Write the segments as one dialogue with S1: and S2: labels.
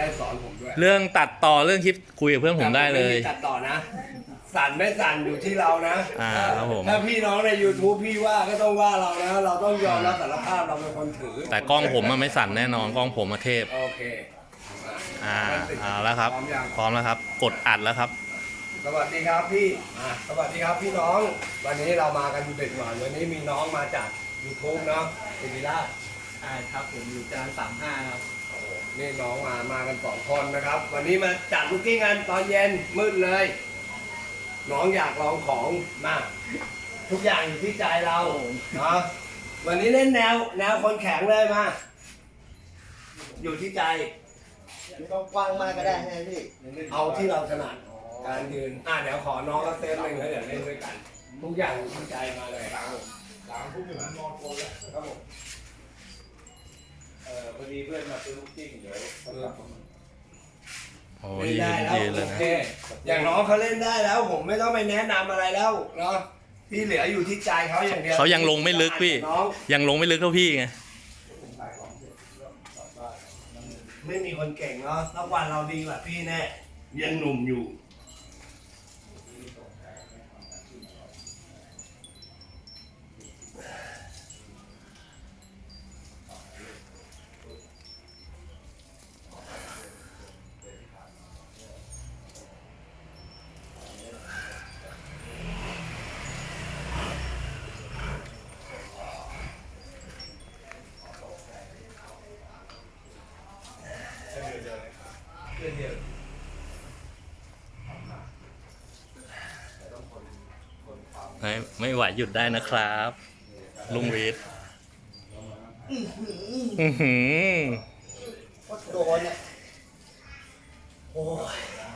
S1: ได้สอนผมด้วย
S2: เรื่องตัดต่อเรื่องคลิปคุยกับเพื่อนผมได้เลย
S1: ไม่มีตัดต่อนะสั่นไม่สั่นอยู่ที่เรานะ
S2: ครับผม
S1: ถ้าพี่น้องใน YouTube พี่ว่าก็ต้องว่าเรานะเราต้องยอมรับสารภาพเราเป็นคนถือ
S2: แต่กล้องผมมันไม่สั่นแน่นอนกล้องผมมาเทพ
S1: โอเค
S2: เอาแล้วครับ
S1: พร้อมยัง
S2: พร้อมแล้วครับ กดอัดแล้วครับ
S1: สวัสดีครับพี่สวัสดีครับพี่น้อง วันนี้เรามากันดึกหน่อยวันนี้มีน้องมาจาก YouTube เนาะสิริราช
S3: ใช่ครับผมอยู่จาน35ครับ
S1: โอ้โหนี่น้องมากัน2 คนนะครับ วันนี้มาจัดลูกกิ้งกันตอนเย็นมืดเลย น้องอยากลองของมากทุกอย่างอยู่ที่ใจเราเนาะวันนี้เล่นแนวคนแข็งเลยมาอยู่ที่ใจ
S3: ไม่ต้องกว้างมากก็ได้ใช่ไหมพี่
S1: เอาที่เราถนัดการยืนเดี๋ยวขอน้องก็เต้นหนึ่งแล้วเดี๋ยวเล่นด้วยกันทุกอย่างอยู่ที่ใจมาเลยครับผม3 ทุ่มนอนโกนแล้วครับผม
S4: พอดีเพื่อนมาซื้อลูกจิ้งเดี๋ยว
S2: โอ้
S1: เล่
S2: ย
S1: นได้แล้ว
S2: ยืนเล
S1: โอย
S2: นะ
S1: เคอย่างน้องเขาเล่นได้แล้ว ผมไม่ต้องไปแนะนำอะไรแล้วเนาะที่เหลืออยู่ที่ใจเขาอย่างเดียว
S2: เขายังลงไม่ลึกพี่
S1: น้อง
S2: ยังลงไม่ลึกเท่าพี่ไง
S1: ไม่มีคนเก่งเนาะสักวันเราดีกว่าพี่แน่ยังหนุ่มอยู่
S2: ไม่ไหวหยุดได้นะครับ ลุงวิทย์อื้อหือ
S3: ก็โดนเนี่ยโอ้ย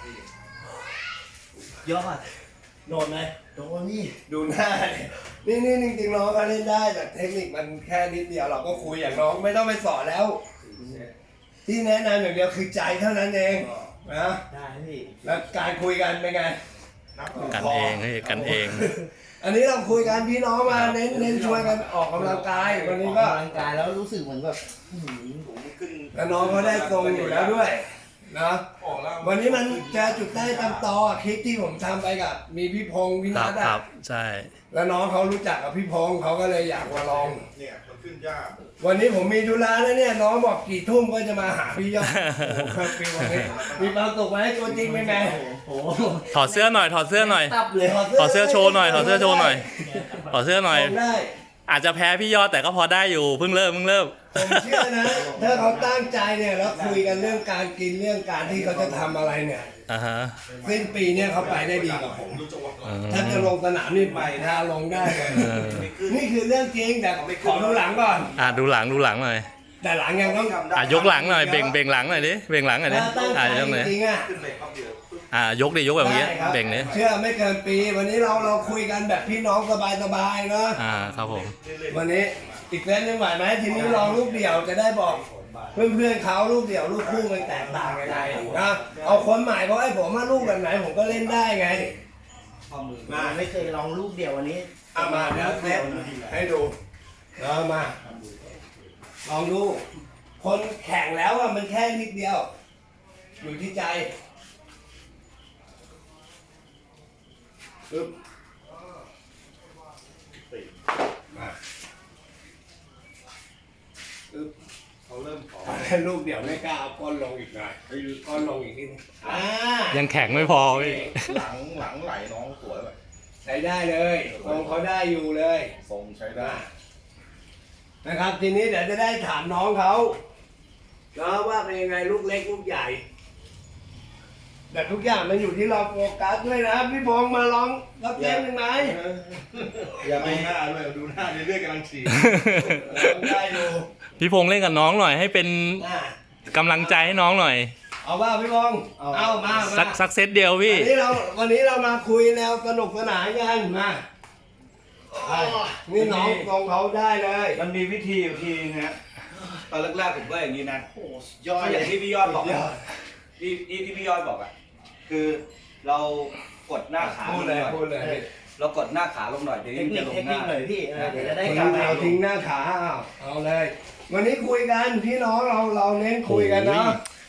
S3: ยอด
S1: โดนไหม
S3: โดนนี่
S1: ดูหน้าดินี่จริงๆน้องเขาเล่นได้แต่เทคนิคมันแค่นิดเดียวเราก็คุยอย่างน้องไม่ต้องไปสอนแล้ว ที่แนะนำอย่างเดียวคือใจเท่านั้นเองนะ
S3: ได้พี่
S1: แล้วการคุยกันเป็นไง
S2: กันเองเฮ้ยกันเอง
S1: อันนี้เราคุยกันพี่น้องมาเน้นชวนกันออกกำลังกายวันนี้ก็
S3: ออกกำลังกายแล้วรู้สึกเหมือนแบบผมขึ้น
S1: แล้วน้องเขาได้ทรงอยู่แล้วด้วยนะวันนี้มันจะจุดได้ตามต่อคลิปที่ผมทำไปกับมีพี่พงษ์พี่
S2: ครั
S1: นั
S2: บ
S1: ท
S2: ครั
S1: อ่ะ
S2: บใช่
S1: แล้วน้องเขารู้จักกับพี่พงษ์เขาก็เลยอยากมาลอง
S4: เนี่ยมันขึ้นยาก
S1: วันนี้ผมมีธุระแล้วเนี่ยน้องบอกกี่ทุ่มก็จะมาหาพี่ยอดโอ้โหปีวันนี้มีความสุขไหมตัวจริงเป็นไง
S3: โอ้โห
S2: ถอดเสื้อหน่อยถอดเสื้อหน่อย
S3: ตับเลย
S2: ถอดเสื้อโชว์หน่อยถอดเสื้อโชว์หน่อยถอดเสื้อหน่อย
S1: ผมได้
S2: อาจจะแพ้พี่ยอดแต่ก็พอได้อยู่เพิ่งเริ่ม
S1: ผมเชื่อนะถ้าเขาตั้งใจเนี่ยแล้วคุยกันเรื่องการกินเรื่องการที่เขาจะทำอะไรเนี่ย
S2: อ่าฮะ
S1: สิ้นปีเนี่ยเขาไปได้ดีกว่าผม ถ้าจะลงสนามนี่ไปถ้าลงได้เลยนี่คือเรื่องจริงแต่ขอดูหลังก่อน
S2: ดูหลังหน่อย
S1: แต่หลังยังต้อง
S2: ยกหลังหน่อยเบ่งหลังหน่อยดิเบ่งหลังหน่อยดิ
S1: ถ้าตั้งใจ
S2: ยกหน่อย
S1: จริงๆอ่ะ
S4: ขึ้นไปครับเดียว
S2: ยกดิยกแบบเมื่อกี้
S1: ได้ครับ
S2: เบ่งดิ
S1: เชื่อไม่เกินปี วันนี้เราคุยกันแบบพี่น้องสบายๆเนาะ
S2: ครับผม
S1: วันนี้อีกเซตหนึงไหวไหมทีนี้ลองลูกเดี่ยวจะได้บอก เพื่อนๆเขาลูกเดี่ยวลูกคู่มันแตกต่างยังไงนะเอาคนใหม่เพราะไอ้ผมว่าลูกแบบไหนผมก็เล่นได้ไง
S3: มาไม่เคยลองลูกเดียววันนี้
S1: เอามาเดี๋ยวเซตให้ดูเอามาลองดู คนแข่งแล้วอะมันแค่นิดเดียว อยู่ที่ใจปึ๊บมาปึ๊บ
S4: เขาเริ่มขอ
S1: ลูกเดี๋ยวไม่กล้าเอาก้อนลงอีกหน่อยก้อนลงอีกนิดนึง
S2: ยังแข็งไม่พอพี่
S4: หลังไหลน้องสวยแบบ
S1: ใช้ได้เลยทรงเขาได้อยู่เลย
S4: ทรงใช้ได้
S1: นะครับทีนี้เดี๋ยวจะได้ถามน้องเขาแล้วว่าเป็นยังไงลูกเล็กลูกใหญ่ แต่ทุกอย่างมันอยู่ที่เราโฟกัสด้วยนะพี่พงษ์มาลองรับเล่นหนึ่งไหม
S4: อย่าดูหน้าด้วยดูหน้าเรื่อยๆกำลังฉี่
S1: ได้ดู
S2: พี่พงษ์เล่นกับน้องหน่อยให้เป็น
S1: อ่ะ
S2: กำลังใจให้น้องหน่อย
S1: เอาว่าพี่พงษ์เอามา
S2: สักเซตเดียวพี่
S1: วันนี้เรามาคุยแนวสนุกสนานกันมานี่น้องทรงเขาได้เลย
S4: มันมีวิธีอยู่ทีนะฮะตอนแรกๆผมก็อย่างนี้นะยอดอย่างที่พี่ยอดบอกที่พี่ยอดบอกอ่ะคือเรากดหน้าขา
S1: พูด
S4: ลง
S1: เลย
S4: หน่อย
S1: พูดเลย
S4: เรากดหน้าขาลงหน่อยเดี๋ยว
S3: เท
S4: นี้
S3: ค
S4: มัน
S3: นิ
S4: จะ
S3: ค
S4: ลงหน้า
S3: หน่อยพี่เดี๋ยวจะได้
S1: คน
S3: กำลั
S1: เอา
S3: ง
S1: ทิ้งหน้าขาเอาเลย วันนี้คุยกันพี่น้องเราเน้นคุยกันเนาะ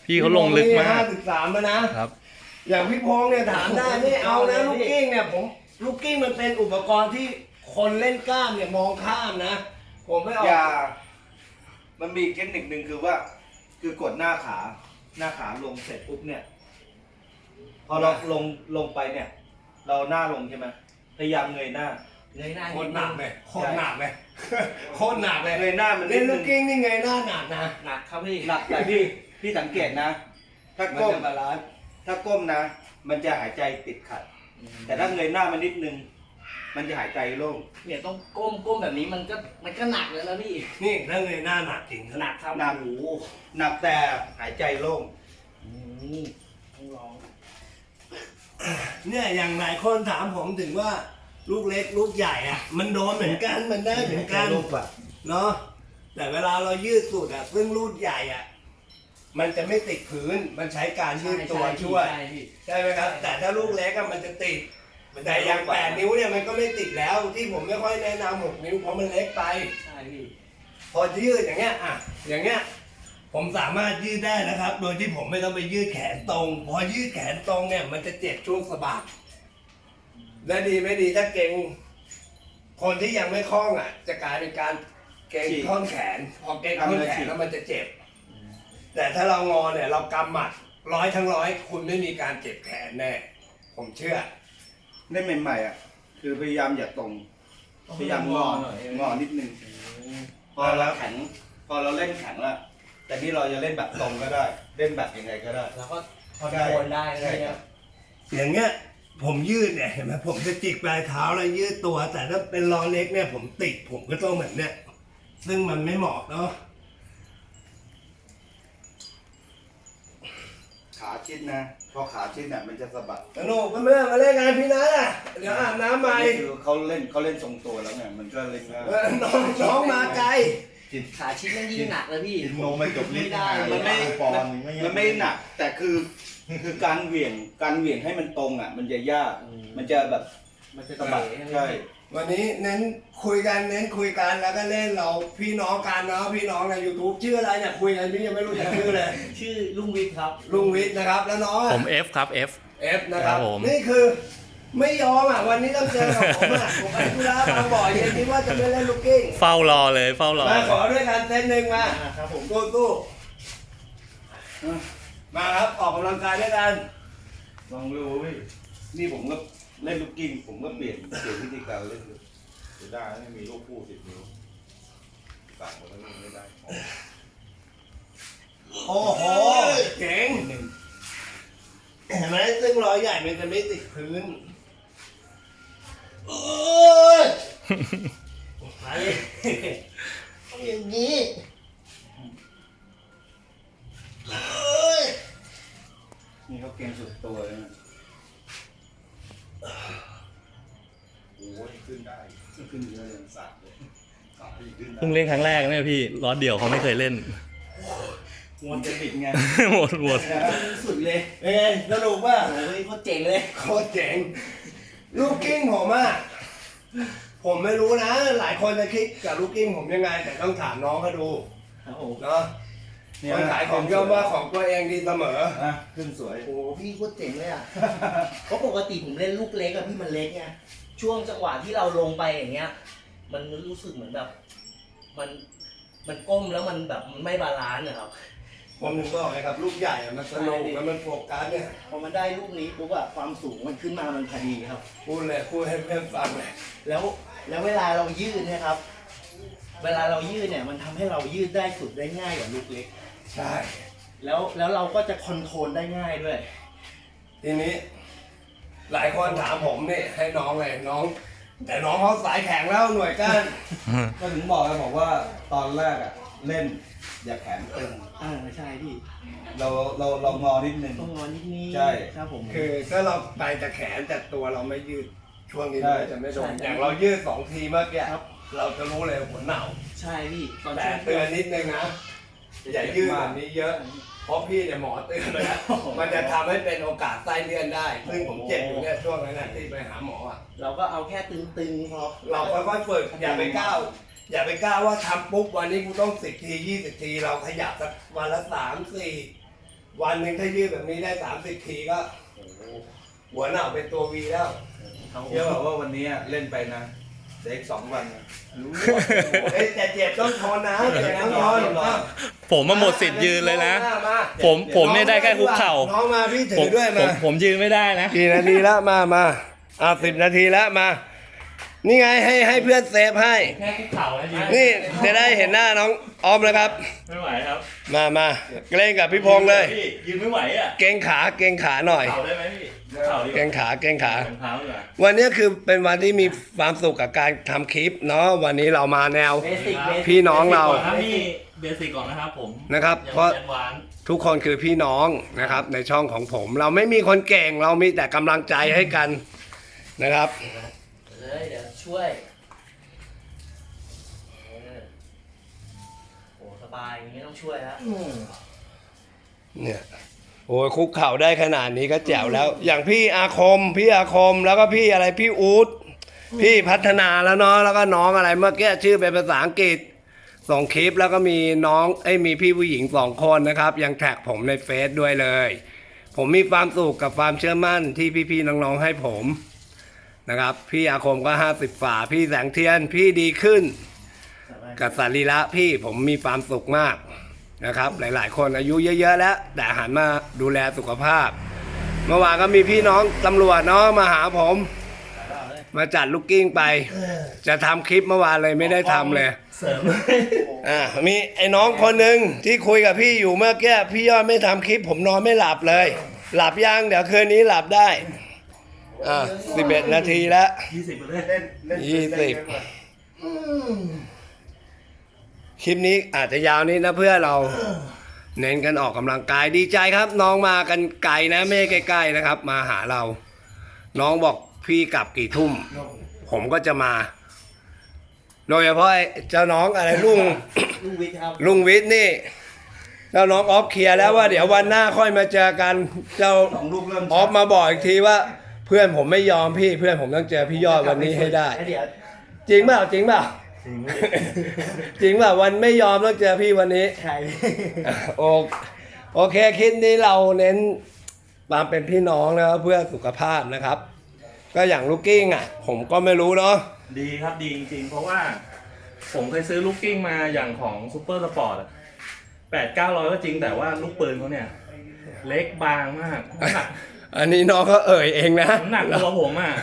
S2: พี่เขาลงลึกมาก
S1: 53แล้วนะครับ อย่างพี่พงษ์เนี่ยถามได้ไม่เอานะลูกกิ้งเนี่ยลูกกิ้งมันเป็นอุปกรณ์ที่คนเล่นกล้ามเนี่ยมองข้ามนะ ผมไม่เอา
S4: อย่ามันมีอีกเทคนิคหนึ่งคือว่า คือกดหน้าขาลงเสร็จปุ๊บเนี่ย พอเราลงไปเนี่ย เราหน้าลงใช่ไหมพยายามเงยหน้า
S3: เงยหน้า
S1: โคตรหนักเลยโคตรหนักเลยโคตรหนักเลย
S4: เงยหน้ามันนิ
S1: เล่
S4: ด
S1: น
S4: นึ
S1: ลู
S4: ง
S1: กกิ้งนี่ไงหน้าหนักนะ
S3: หนักครับพี่
S4: หนักแต่พี่สังเกตนะ ถ้า
S1: มัน
S4: ก้ม
S1: จะบาลานซ์
S4: ถ้าก้มนะ มันจะหายใจติดขัด แต่ถ้าเงยหน้ามันนิดนึง มันจะหายใจโล่ง
S3: เนี่ยต้องก้มแบบนี้มันก็หนักเลยแล้วพี่
S1: นี่ถ้าเงยหน้าหนักจริง
S3: หนักครับ
S4: หนักหนักแต่หายใจโล่ง
S3: ต้องลอง
S1: เนี่ยอย่างหลายคนถามผมถึงว่าลูกเล็กลูกใหญ่อ่ะ มันโดนเหมือนกันมันได้เหมือนกัน
S4: โล่งกว่า
S1: เนาะแต่เวลาเรายืดสุดอ่ะซึ่งลูกใหญ่อ่ะมันจะไม่ติดพื้นมันใช้การยืดตัวช่วย
S3: ใช่พี่
S1: ใช่ไหมครับ แต่ถ้าลูกเล็กอะมันจะติดแต่อย่าง8 นิ้วเนี่ยมันก็ไม่ติดแล้วที่ผมไม่ค่อยแนะนำ6 นิ้วเพราะมันเล็กไป
S3: ใช่พี่
S1: พอยืดอย่างเงี้ยอ่ะอย่างเงี้ยผมสามารถยืดได้นะครับ โดยที่ผมไม่ต้องไปยืดแขนตรง พอยืดแขนตรงเนี่ยมันจะเจ็บช่วงสะบักและดีไม่ดีถ้าเก่งคนที่ยังไม่คล่องอ่ะ จะกลายเป็นการเก่งท่อนแขน พอเก่งท่อนแขนแล้วมันจะเจ็บ แต่ถ้าเรางอเนี่ยเรากำหมัด100 ทั้ง 100คุณไม่มีการเจ็บแขนแน่ผมเชื่อ
S4: เล่นใหม่ๆอ่ะ คือพยายามอย่าตรง พยายามงอนิดนึง พอเราแข็ง พอเราเล่นแข็งแล้ว แต่นี่เราจะเล่นแบบตรงก็ได้ เล่นแบบยังไงก็ได้
S3: แล้วก็คอนโทรลได้เล
S4: ใช่
S3: ย
S4: ครั
S3: นะ
S4: บ
S1: อย่างเงี้ยผมยืดเนี่ยเห็นไหมผมจะจิกปลายเท้าแล้วยืดตัว แต่ถ้าเป็นล้อเล็กเนี่ยผมติดผมก็ต้องเหมือนเนี่ยซึ่งมันไม่เหมาะเนาะ
S4: ขาชิดนะ พอขาชิดเนี่ยมันจะสะบัด
S1: สนุกเพื่อนๆมาเล่นงานพี่นัทอ่ะเดี๋ยวอาบน้ำใหม่
S4: นี่คือเขาเล่นทรงตัวแล้วไง มันก็เล่นง่าย
S1: น้องมาไกล
S3: ขาชิ้นนั่นยิ่งหนักเลยพี่
S5: กินนมไม่จบลิ้น
S3: ไม่ได้
S4: มันไม่
S5: ปอนด์ไม่
S4: มันไม่หนัก แต่คือการเหวี่ยงให้มันตรงอ่ะ มันจะยาก มันจะแบบ
S3: มันจะ
S4: สะบัด
S3: เตะ
S4: ใช่
S1: วันนี้เน้นคุยกันแล้วก็เล่นเราพี่น้องกันเนาะพี่น้องใน YouTube ชื่ออะไรเนี่ยคุยกันพี่ยังไม่รู้จักชื่อเลย
S3: ชื่อลุงวิทย์ครับ
S1: ลุงวิทย์นะครับแล้วน้องอะ
S2: ผม F ครับ F
S1: เอฟนะครับ
S2: ครับผม
S1: นี่คือไม่ยอมอ่ะวันนี้ต้องเจอกับผมอ่ะผมไปธุระบางบ่อเย็นคิดว่าจะไม่เล่นลูกกิ้ง
S2: เฝ้ารอเลยเฝ้ารอ
S1: มาขอด้วยกันเซตหนึ่งมา
S3: ครับผม
S1: ตู้มาครับออกกำลังกายด้วยกัน
S4: ลองดูพี่นี่ผมก็เล่นลูกกิ้ง ผมก็เปลี่ยนวิธีการเล่นดู
S5: จะได้ไม่มีลูกคู่10 นิ้วสั่งมาแล้วไม่ได้
S1: โอ้โหเจ๋งเห็นไหมซึ่งรอยใหญ่มันจะไม่ติดพื้นโอ้ยไปต้องอย่างนี้โอ้ย
S4: นี่เขาเก่งสุดตัวเลยนะ
S5: โอ้ยขึ้นได้
S4: ขึ้นเยอะเลย
S5: สั่งเลยขาอีกขึ้นได้
S2: เพิ่งเล่นครั้งแรกเนี่ยพี่ล้อเดี่ยวเขาไม่เคยเล่น
S4: มันจะบิดไง
S2: หมด
S3: สุดเลย
S1: เป็นไงสนุกป่ะ
S3: โอ้ยโคตรเจ๋งเลย
S1: โคตรเจ๋งลูกกิ้งผมอ่ะผมไม่รู้นะ หลายคนจะคิดกับลูกกิ้งผมยังไง แต่ต้องถามน้องเขาดู
S3: ครับผม
S1: เนาะคนขายของย่อมว่าของตัวเองดีเสมอ
S4: อ่ะขึ้นสวย
S3: โอ้โหพี่โคตรเจ๋งเลยอ่ะ เพราะปกติผมเล่นลูกเล็กอะพี่มันเล็กไง ช่วงจังหวะที่เราลงไปอย่างเงี้ย มันรู้สึกเหมือนแบบ มันก้มแล้วมันแบบมันไม่บาลานซ์นะครับ
S1: ผมถึงบอกไงครับ ลูกใหญ่อะมันสนุกแล้วมันโฟกัสเนี่ย
S3: พอมันได้ลูกนี้ปุ๊บอะความสูงมันขึ้นมามันพอดีครับ
S1: พูดเลยพูดให้เพื่อนฟังเลย
S3: แล้วเวลาเรายืดเนี่ยครับ เวลาเรายืดเนี่ยมันทำให้เรายืดได้สุดได้ง่ายกว่าลูกเล็ก
S1: ใช่
S3: แล้วเราก็จะคอนโทรลได้ง่ายด้วย
S1: ทีนี้ หลายคนถามผมนี่ให้น้องเลยน้อง แต่น้องเขาสายแข็งแล้วหน่วยก้าน
S4: ก็ถึงบอกว่าตอนแรกอ่ะ เล่นอย่าแขนตึง
S3: ใช่พี่
S4: เรางอนิดนึง
S3: ต้องงอนิดนี้
S4: ใช่
S3: ครับผม
S1: คือถ้าเราไปแต่แขนแต่ตัวเราไม่ยืดช่วงนี้
S4: ใช่
S1: มันจะไม่โดน
S3: ใช่
S1: อย่างเรายืด2 ทีเมื่อกี้
S3: ครับ
S1: เราจะรู้เลยหัวหนาว
S3: ใช่พี่ตอน
S1: แต่
S3: ช่วง
S1: เตือนนิดนึงนะอย่ายืดแบบนี้เยอะ เพราะพี่เนี่ยหมอเตือนเลยนะมันจะทำให้เป็นโอกาสไส้เลื่อนได้ ซึ่งผมเจ็บอยู่เนี่ยช่วงนั้นนะที่ไปหาหมออ่ะ
S3: เราก็เอาแค่ตึงๆพอ
S1: เราค่อยๆฝึกอย่าไปก้าวว่าทำปุ๊บวันนี้กูต้อง10 ที 20 ที เราขยับสักวันละ3-4 วันหนึ่งถ้ายืดแบบนี้ได้30 ทีก็หัวหน้าเป็นตัววีแล้ว
S4: เชื่อบอกว่าวันนี้เล่นไปนะเด็ก2 วันนะรู้
S1: เอ้ยแต่เจ็บต้องทนนะเจ็บต้องทน
S2: ผมมาหมดสิทธิ์ยืนเลยนะ
S1: มา
S2: ผมเนี่ยได้แค่คุกเข่า
S1: น้องมาพี่ถื
S2: ผม
S1: อด้วยมา
S2: ผมยืนไม่ได้นะ
S1: กี่นาทีแล้วมา10 นาทีแล้วมา นี่ไงให้เพื่อนเซฟให้
S2: แค่คุกเข่านะยืน
S1: นี่จะได้เห็นหน้าน้องออมแล้วครับ
S2: ไม่ไหวครับ
S1: มาเล่นกับพี่พงษ์เลย
S2: พี่ยืนไม่ไหวอ่ะ
S1: เกรงขาหน่อย
S2: เข่าได้ไหมพี่เข่าดีก
S1: เกร
S2: ว่าง
S1: ขา
S2: รองเท้าดีกว่า
S1: วันนี้คือเป็นวันที่มีความสุขกับการทำคลิปเนาะวันนี้เรามาแนว
S3: เบสิก
S1: พี่น้องเรา
S2: ก่อนนะพี่เบสิกก่อนนะครับผม
S1: นะครับ
S2: อย่า
S1: เพราะ
S2: แอดวานซ์
S1: ทุกคนคือพี่น้องนะครับในช่องของผม เราไม่มีคนเก่งเรามีแต่กำลังใจให้กันนะครับ
S3: เลยเดี๋ยวช่วยโอ้สบายอย่างนี้ไม่ต้องช่วยแล้ว
S1: เนี่ยโอ้ยคุกเข่าได้ขนาดนี้ก็แจ๋วแล้ว อย่างพี่อาคมแล้วก็พี่อะไรพี่อู๊ดพี่พัฒนาแล้วเนาะแล้วก็น้องอะไรเมื่อกี้ชื่อเป็นภาษาอังกฤษส่งคลิปแล้วก็มีน้องมีพี่ผู้หญิง2 คนนะครับยังแท็กผมในเฟซด้วยเลย ผมมีความสุขกับความเชื่อมั่นที่พี่ๆน้องๆให้ผมนะครับพี่อาคมก็50 ฝ่าพี่แสงเทียนพี่ดีขึ้นกับสรีระพี่ผมมีความสุขมากนะครับหลายๆคนอายุเยอะๆแล้วแต่หันมาดูแลสุขภาพ เมื่อวานก็มีพี่น้องตำรวจเนาะมาหาผมมาจัดลูกกิ้งไป จะทำคลิปเมื่อวานเลยไม่ได้ทำเลย
S2: เสริม
S1: มีไอ้น้องคนหนึ่งที่คุยกับพี่อยู่เมื่อกี้พี่ยอดไม่ทำคลิปผมนอนไม่หลับเลย หลับยังเดี๋ยวคืนนี้หลับได้11 นาทีแล้ว
S2: 20ไปเลย
S1: 20 คลิปนี้อาจจะยาวนิดนะเพื่อเราเน้นกันออกกำลังกายดีใจครับ น้องมากันไกลนะไม่ใกล้ๆนะครับ มาหาเรา น้องบอกพี่กลับกี่ทุ่ม ผมก็จะมา โดยเฉพาะไอ้เจ้าน้องอะไรลุง
S3: ลุงวิทย์ครับ
S1: ลุงวิทย์นี่เจ้าน้องออฟเคลียร์แล้วว่าเดี๋ยววันหน้าค่อยมาเจอกันเจ้า
S4: 2 ลูกเริ่ม
S1: ออฟมาบอกอีกทีว่า เพื่อนผมไม่ยอมพี่เพื่อนผมต้องเจอพี่ยอดวันนี้ให้ได้
S3: เดี๋ยว
S1: จริงเปล่าจริงเปล่าจริงเปล่าวันไม่ยอมต้องเจอพี่วันนี้
S3: ใคร
S1: โอเคคลิปนี้เราเน้นความเป็นพี่น้องนะครับเพื่อสุขภาพนะครับ ก็อย่างลูกกิ้งอ่ะ ผมก็ไม่รู้เนาะ
S2: ดีครับดีจริงๆ เพราะว่าผมเคยซื้อลูกกิ้งมาอย่างของซูเปอร์สปอร์ต8-900ก็จริงแต่ว่าลูกปืนเขาเนี่ย เล็กบางมากน้ำหนัก
S1: อันนี้น้องก็เอ่ยเองนะ
S2: น้ำหนักตัวผมอ่ะ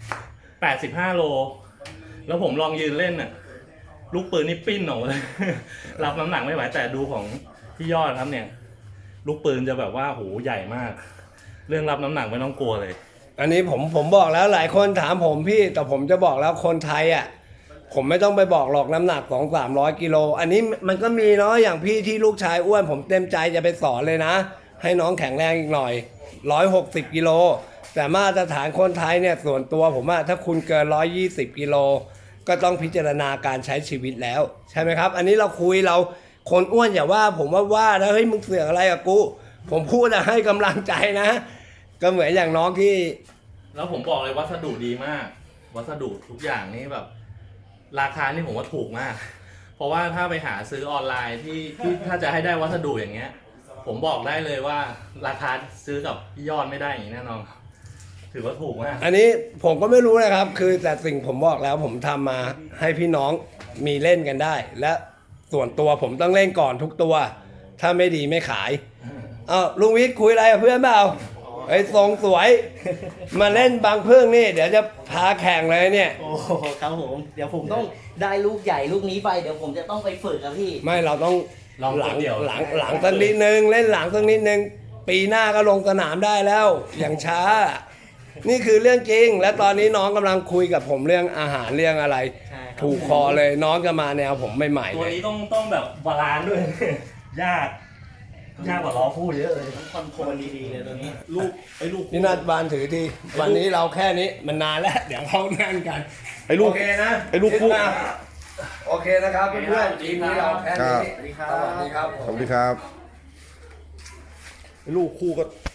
S2: 85 โล แล้วผมลองยืนเล่นอ่ะ ลูกปืนนี่ปิ้นออกมาเลย รับน้ำหนักไม่ไหวแต่ดูของพี่ยอดครับเนี่ย ลูกปืนจะแบบว่าโหใหญ่มาก เรื่องรับน้ำหนักไม่ต้องกลัวเลย
S1: อันนี้ผมบอกแล้วหลายคนถามผมพี่แต่ผมจะบอกแล้วคนไทยอ่ะผมไม่ต้องไปบอกหรอกน้ำหนัก200-300 กิโลอันนี้มันก็มีเนาะอย่างพี่ที่ลูกชายอ้วนผมเต็มใจจะไปสอนเลยนะ ให้น้องแข็งแรงอีกหน่อย160 กิโลแต่มาตรฐานคนไทยเนี่ยส่วนตัวผมว่าถ้าคุณเกิน120 กิโลก็ต้องพิจารณาการใช้ชีวิตแล้วใช่ไหมครับ อันนี้เราคุยเราคนอ้วนอย่าว่าผมว่าแล้วเฮ้ยมึงเสือกอะไรกับกูผมพูดอะให้กำลังใจนะ ก็เหมือนอย่างน้องที่
S2: แล้วผมบอกเลยวัสดุดีมาก วัสดุทุกอย่างนี่แบบ ราคานี่ผมว่าถูกมาก เพราะว่าถ้าไปหาซื้อออนไลน์ที่ถ้าจะให้ได้วัสดุอย่างเงี้ย ผมบอกได้เลยว่าราคาซื้อกับพี่ยอดไม่ได้อย่างนี้แน่นอนถือว่าถูกมาก
S1: อันนี้ผมก็ไม่รู้นะครับ คือแต่สิ่งผมบอกแล้วผมทำมาให้พี่น้องมีเล่นกันได้ และส่วนตัวผมต้องเล่นก่อนทุกตัว ถ้าไม่ดีไม่ขายลุงวิทย์คุยอะไรกับเพื่อนเปล่าไอ้ทรงสวย มาเล่นบางพึ่งนี่ เดี๋ยวจะพาแข่งเลยเนี่ย
S3: โอ้โหครับผมเดี๋ยวผมต้องได้ลูกใหญ่ลูกนี้ไปเดี๋ยวผมจะต้องไปฝึกครับพี่
S1: ไม่เราต้อง
S2: ลอง
S1: หลัง
S2: เดี่ยว
S1: หลังสักนิดนึงเล่นหลังสักนิดนึงปีหน้าก็ลงสนามได้แล้วอย่างช้า นี่คือเรื่องจริง และตอนนี้น้องกำลังคุยกับผมเรื่องอาหารเรื่องอะไร
S3: ใช่ครับ
S1: ถูกคอเลยน้องจะมาแนวผมใหม่ๆ
S2: ตัว
S1: เลย
S2: นี้ต้องแบบบาลานซ์ด้วย ยากกว่าล้อพูดเยอะเลย
S3: ต้องคอนโทรลดีๆเลยตัวนี้
S2: ลูกลูก
S1: นี่นัดบานถือทีวันนี้เราแค่นี้มันนานแล้ว เดี๋ยวเขานั่งกัน
S2: ไอ้ลูก
S1: โอเคนะ
S2: ไอ้ลูกคู่
S1: โอเคนะครับเพื่อนๆทีมนี้เราแค่นี้
S3: สวัสดีครับ
S1: สวัสดีครับ
S5: สวัสดีครับ
S2: ลูกคู่ก็